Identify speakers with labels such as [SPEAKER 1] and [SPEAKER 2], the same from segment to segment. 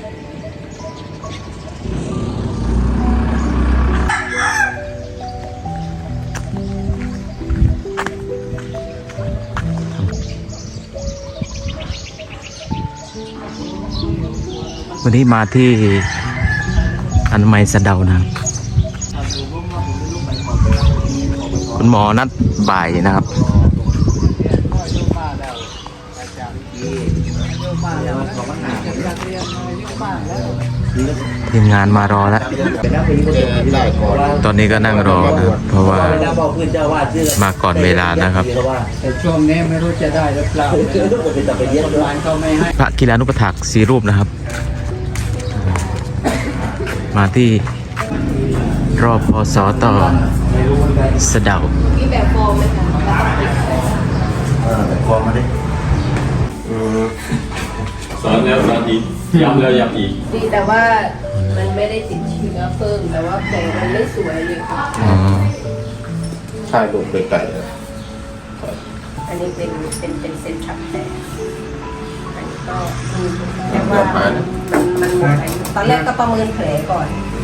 [SPEAKER 1] วันนี้มาที่อนามัยสะเดานะครับคุณหมอนัดบ่ายนะครับ ทีมงานมารอแล้ว ตอนนี้ก็นั่งรอนะครับเพราะว่ามาก่อนเวลานะครับ
[SPEAKER 2] ช่วงนี้ไม่รู้จะได้หรือเปล่าร้านเขาไม่ให้
[SPEAKER 1] พระกีฬานุปถักษ์4 รูปนะครับ มาที่รอบพศต่อสะเดา
[SPEAKER 3] มีแบบฟอร์มไหมคะ
[SPEAKER 4] คอมาดิ
[SPEAKER 5] สอนแล้วสอนอีกย้ำแล้วย้ำอีก
[SPEAKER 3] ดีแต่ว่ามันไม่ได้ติดเชื้อเพิ่มแต่ว่าแผลมันไม่สวยเลยค่ะ
[SPEAKER 1] อ๋อ
[SPEAKER 4] ใช่ลูกไก่
[SPEAKER 3] อันนี้เป็นเส้นฉับแผลอันนี้ก็แต่ว่ามันหมดตอนแรกก็ประเมินแผลก่อน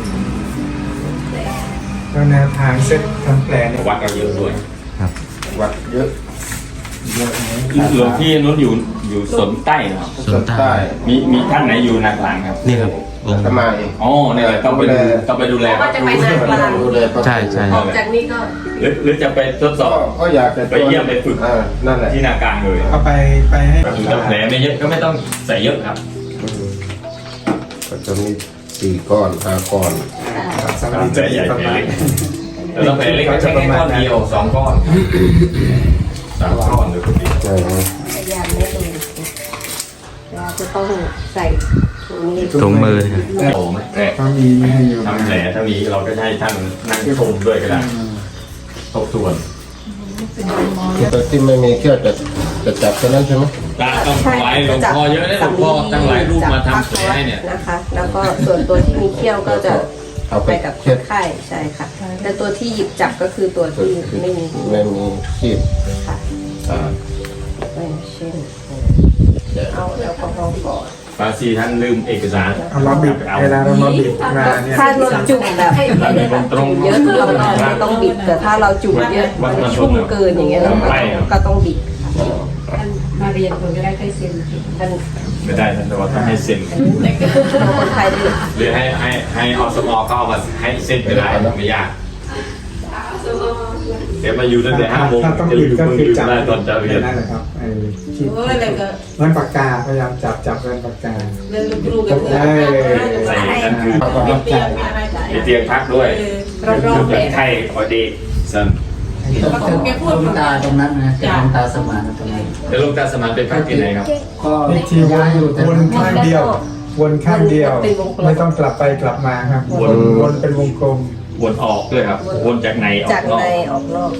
[SPEAKER 2] แล้วแนวทางเซ็ตทำแผลเนี่ย
[SPEAKER 5] วัดกันเยอะด้วย
[SPEAKER 1] ครับ
[SPEAKER 4] วัดเยอะ
[SPEAKER 5] หลวงพี่นู้นอยู่สนใต้นะครับ
[SPEAKER 1] ส่วนใต้
[SPEAKER 5] มีท่านไหนอยู่นักหลังครับ
[SPEAKER 1] นี่ครับองค์
[SPEAKER 4] ทำไม
[SPEAKER 5] อ๋อเนี่ยต้องไปดูแล
[SPEAKER 3] ก็จะไปนานกลาง
[SPEAKER 4] ดูแล
[SPEAKER 1] ใช่ใช่
[SPEAKER 3] ออกจากนี้ก็
[SPEAKER 5] หรือจะไปทดสอบ
[SPEAKER 4] ก็อยากจะ
[SPEAKER 5] ไปเยี่ยมไปฝึก
[SPEAKER 4] นั่นแหละ
[SPEAKER 5] ที่นากลางเลย
[SPEAKER 2] เอาไปให้
[SPEAKER 5] ถึงจะแผลไม่เยอะก็ไม่ต้องใส่เยอะครับ
[SPEAKER 4] ก็จะมี4 ก้อน 5 ก้อน
[SPEAKER 2] สำหรับ
[SPEAKER 5] แผลใหญ่แผลเล็กแล้วต้องแผลเล็กก็ใช้แค่ก้อนเดียว2 ก้อน3 ก้อนเลยคุณดี
[SPEAKER 4] ใช่ไหม
[SPEAKER 3] พยายามไม่โดนเราจะต้องใส่ถุงนี้
[SPEAKER 1] ถุงมือ
[SPEAKER 5] โอ้แผล
[SPEAKER 2] เขามีไม่ให้อยู่
[SPEAKER 5] ทำแผลถ้ามีเราก็ให้ท่านนั่งชมด้วยก็ได้ทบทวน
[SPEAKER 4] แต่ที่ไม่มีเขี้ยวจะจับแค่นั้นใช่ไหม
[SPEAKER 5] ตาต้องถวายหลวงพ่อเยอะนะหลวงพ่อตั้งหลายรูปมาทำแผลให้เนี่ย
[SPEAKER 3] นะคะ แล้วก็ส่วนตัวที่มีเขี้ยวก็จะ
[SPEAKER 4] เอาไป
[SPEAKER 3] ไปกับค
[SPEAKER 4] เช็ด
[SPEAKER 3] นไข้ใช่ค่ะแต่ตัวที่หยิบจับก็คือตัวที่ไม่มี
[SPEAKER 4] ไม่มีขีด
[SPEAKER 3] ค่ะเป็นเช่นเอาแอลกอฮอล์ก่อน
[SPEAKER 5] ฟาซีท่านลืมเอกสาร
[SPEAKER 2] เอามาบิดเวลาเรามาบิดมาเนี่ย
[SPEAKER 3] ถ้าเราจุ่มแบบจุ่มเยอะเราไม่ต้องบิดแต่ถ้าเราจุ่มเยอะมันชุ่มเกินอย่างเงี้ยเราก็ต้องบิดมาเรียนคนก็ได้ใกล้เซ็นท่าน
[SPEAKER 5] ไม่ได้ท่านแต่ว่าต้องให้เซ็น
[SPEAKER 3] คนไทยด้วย
[SPEAKER 5] หรือให้อสมเขาเอามาให้เซ็นก็ได้ไม่ยากเดี๋ยวมาอยู่ตั้งแต่5 โมง
[SPEAKER 2] ถ้าต้อง
[SPEAKER 5] จะ
[SPEAKER 2] บิ
[SPEAKER 5] อ
[SPEAKER 2] ด
[SPEAKER 5] ยู่
[SPEAKER 2] ก็คือจับ
[SPEAKER 5] ได้ตอนจะเรียน
[SPEAKER 2] นั่นแหละครับไอ้ขีด
[SPEAKER 3] โอ้ยอะไรก็
[SPEAKER 2] เงินปากกาพยายามจับเงินปากกา
[SPEAKER 3] เรื่องลูกๆกันเถ
[SPEAKER 2] ได้
[SPEAKER 3] อะ
[SPEAKER 5] ใส่นั่นคือ
[SPEAKER 3] เตียงมีอะไรจ่าย
[SPEAKER 5] มีเตียงพักด้วย
[SPEAKER 3] รอบๆแผล
[SPEAKER 5] ไข้พอดีสัน
[SPEAKER 3] แกพูด
[SPEAKER 2] หลวงตาตรงนั้นนะเป็นหลวงตาสมานตรงนั้น
[SPEAKER 5] แล้วลูกตาสมานเป็นพักที่ไหนครับ
[SPEAKER 2] ก็ที่วนข้างเดียว วนข้างเดียว ไม่ต้องกลับไปกลับมาครับวนเป็นวงกลม
[SPEAKER 5] วนออกด้วยครับวนจากในออ
[SPEAKER 3] จาก
[SPEAKER 5] กนอ
[SPEAKER 3] ใน
[SPEAKER 5] ก
[SPEAKER 3] ออกนอก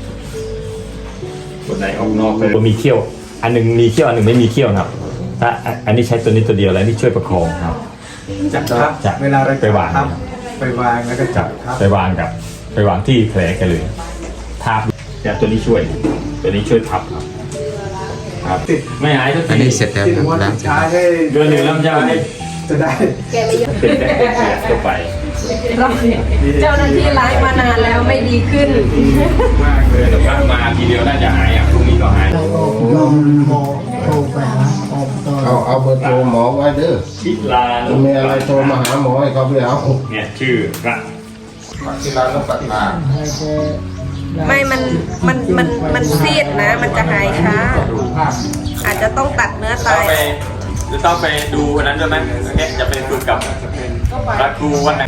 [SPEAKER 5] วนในออกนอกเลยมีเขี้ยว อันหนึงมีเขี้ยวอันหนึงไม่มีเขี้ยวครับถ้าอันนี้ใช้ตัวนี้ตัวเดียวแล้วนี่ช่วยประคองครับ
[SPEAKER 2] จับทับ
[SPEAKER 5] จับ
[SPEAKER 2] เวลาเรา
[SPEAKER 5] ไปวาง
[SPEAKER 2] ทับไปวางแล้วก็จับทับ
[SPEAKER 5] ไปวางที่แผลแกเลยทับแต่ตัวนี้ช่วยทับครับไม่หายสัก
[SPEAKER 1] อัน
[SPEAKER 5] ที
[SPEAKER 1] นี้เสร็จแล้ว
[SPEAKER 2] ที่
[SPEAKER 1] ครับ
[SPEAKER 2] ม้วน
[SPEAKER 1] ล้าง
[SPEAKER 2] สุดท้ายให้
[SPEAKER 5] เดือนหนึ่งแล้วมันจะให้
[SPEAKER 2] จะได้
[SPEAKER 3] แกไม่ยอม
[SPEAKER 5] เป็นแผลตัวไป
[SPEAKER 3] เจ้าหน้าที่ไลฟ์มานานแล้วไม่ดีขึ้น
[SPEAKER 2] มากเลย
[SPEAKER 5] แต่พักมาทีเดียวน่าจะหายพรุ่งนี้ก็หาย
[SPEAKER 2] ลองโทรไปหาอบต
[SPEAKER 4] เอาเบอร์โทรหมอไว้เด้อ
[SPEAKER 5] ทิลา
[SPEAKER 4] ถ้ามีอะไรโทรมาหาหมอให้เขาไปเอา
[SPEAKER 5] เนี่ยชื่อพระ
[SPEAKER 4] ที่ร้านต้องปัดมา
[SPEAKER 3] ไม่มันซีดนะ มันจะหายช้า อาจจะต้องตัดเนื้อตาย
[SPEAKER 5] ต้องไปดูวันนั้นด้วยไหมเนี่ยจะไปฝึกกับพระครูวันไหน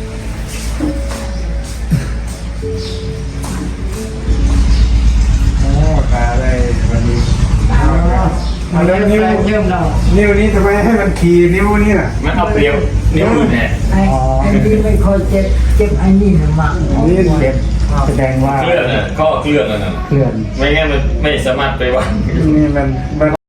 [SPEAKER 2] โอ้ตาได้วันนี้เอาแล้วนิ้วนี้ทำไมให้มันขี่นิ้วนี่น่ะ
[SPEAKER 5] มันเอาเปรียวนิ้วมือแน่
[SPEAKER 2] อ๋อ
[SPEAKER 6] ไอ้ที่ไม่ค่อยเจ็บไอ้นี่นะมาก
[SPEAKER 2] นี่เจ็บแสดงว่า
[SPEAKER 5] เคลื่อนน่ะก็เคลื่อนนั่นน่ะ
[SPEAKER 2] เคลื่อน
[SPEAKER 5] ไม่งั้นมันไม่สามารถไปวาง
[SPEAKER 2] นี่มัน